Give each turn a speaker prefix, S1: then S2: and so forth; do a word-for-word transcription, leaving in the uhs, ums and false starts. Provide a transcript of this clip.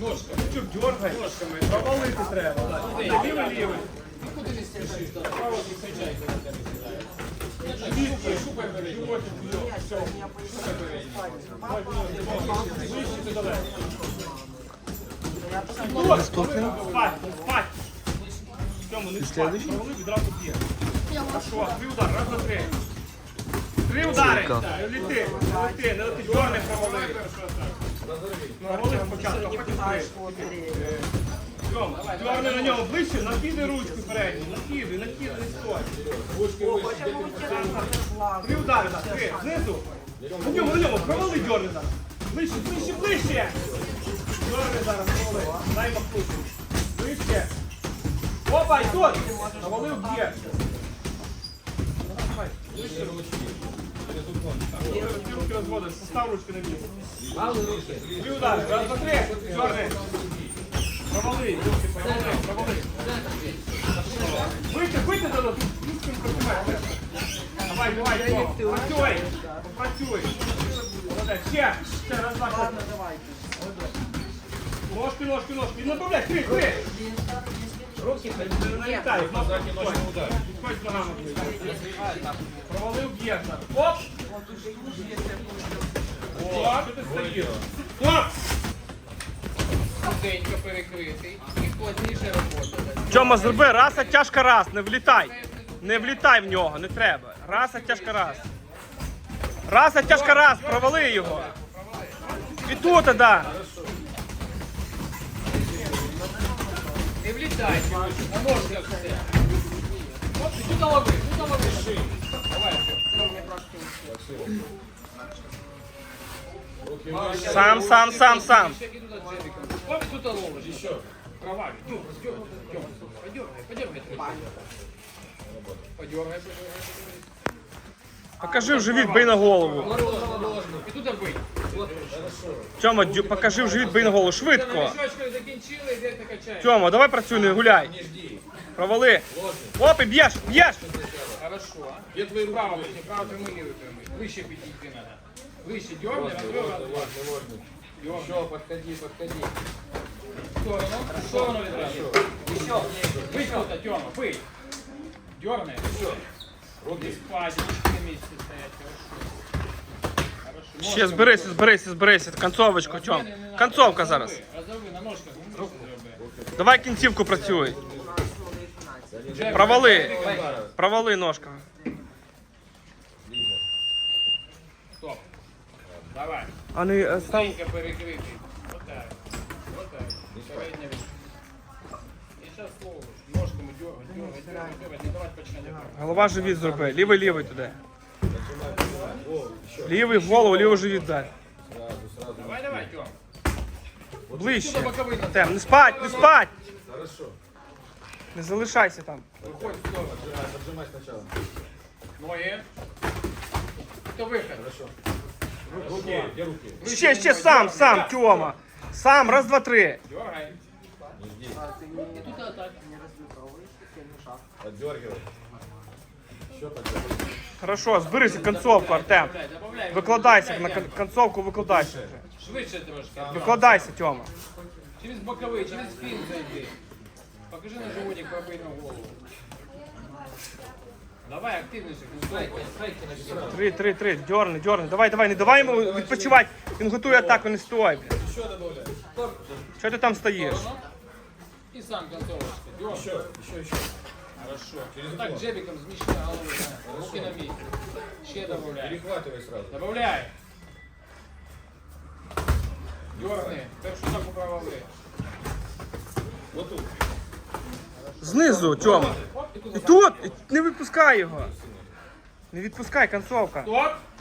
S1: Ножками. Чуть дергай. Ножками. Провалити треба. Лівий, лівий.
S2: Куди не стежиш? Право не кричай, коли тебе сідає.
S1: Шупай, шупай, бери. Все. Шупай, бери. Вище ти далеко.
S3: Наступний.
S1: Спать, спать. Тьому, не спать. Провали, відразу б'є. Хорошо, три удари, раз, два, три. Три удари. Не літи, не літи, не літи. Дьорни провали. Провали спочатку, а потім три. Тьом, дьорни на нього ближче, накидай ручку передню. Накидай, накидай, не стой. Три удари, так, три. Знизу. На ньому, на ньому, провали дьорни зараз. Ближче, ближче, ближче. Дьорни зараз, провали. Дай махнути. Ближче. Опа, і тут! Навалив б'є. Ти руки розводиш, постав ручки на місце. Три удари, раз, два, три. Чорний. Провали, руки, провали, провали. Вийти, вийти до нас. Ручками працювай. Давай, давай, працюй. Працюй. Молодець, ще. Ще, раз, два, три. Ножки, ножки, ножки. І направляй, три, три. Руки не налітають, ножки підходь. Підходь ногами. Провалив б'є. Оп! О, що ти стоїш? Оп!
S2: Худенько перекритий. І плотніше робота.
S1: Тьома, зроби раз, а тяжко раз, не влітай. Не влітай в нього, не треба. Раз, а тяжко раз. Раз, а тяжко раз, провали його. І тут, так. Да.
S2: Не влітай, на ножках все. От, тут лови, тут лови шиї. Давай,
S1: Сам, сам, сам, сам.
S2: Оп, тут ловиш. Еще. Кровавый. Подергай, подергай. Подергай, подергай.
S1: Покажи в живіт, бий на голову.
S2: І тут бий.
S1: Тьома, дю- покажи в живіт, бий на голову. Швидко.
S2: Мішочкою закінчили, і де ти качаєш.
S1: Тьома, давай працюй, не гуляй. Провали. Оп, і б'єш, б'єш.
S2: Хорошо. Я твою право, не право прямий, лівий прямий. Вище підійти надо. Вище дерни, раз, два, раз, два. Еще, подходи, подходи. В сторону, в сторону відразу. Еще. Бий тут, Тёма, бий. Дерни. Все. Руки спадь, на місці стоять, хорошо.
S1: Ще зберися, зберися, зберися. Концовочку, Тьом. Концовка зараз.
S2: Розови на ножках.
S1: Давай кінцівку працюй. Провали. Провали ножка.
S2: Стоп. Давай.
S1: А не е, став.
S2: Стенька перекритий. Вот так. Вот так. Передня рука. І зараз слово. Ножками дергай, дергай, дергай, дергай. Не давай починати.
S1: Голова живіт зроби. Лівий, лівий туди. Лівий в голову, лівий живіт дай.
S2: Давай, давай, Тём.
S1: Ближче. Тем, не спать, не спать. Не залишайся там.
S2: Выходит в сторону. Отжимай сначала. Ноги. Это выход. Хорошо. Руки. Где руки?
S1: Ще, ще сам, сам, Тьома. Сам, раз, два, три.
S2: Дергай. И тут атака.
S4: Поддергивай. Еще поддергивай.
S1: Хорошо, зберися концовку, Артем.
S2: Добавляй.
S1: Викладайся, на кон- концовку викладайся вже.
S2: Швидше трошки.
S1: Викладайся, Тьома.
S2: Через боковые, через спину зайди. Покажи на животик, пробей на голову. Давай, активніше.
S1: Три, три, три, дьорни, дьорни. Давай, давай, не давай йому відпочивати. Він готує атаку, не стой. блядь.
S2: Еще добавляй.
S1: Чого ти там стоїш?
S2: И сам концовочка. Дергай.
S4: Еще, еще, еще.
S2: Хорошо. Вот так джебиком змещай голову. да. Руки на месте. Ще добавляй.
S4: Перехватывай сразу.
S2: Добавляй. Дерни. Першу так управили.
S4: Вот тут.
S1: Знизу, Тьома.
S2: Оп, і тут.
S1: І тут, і не відпускай його. Не відпускай, концовка.
S2: Стоп.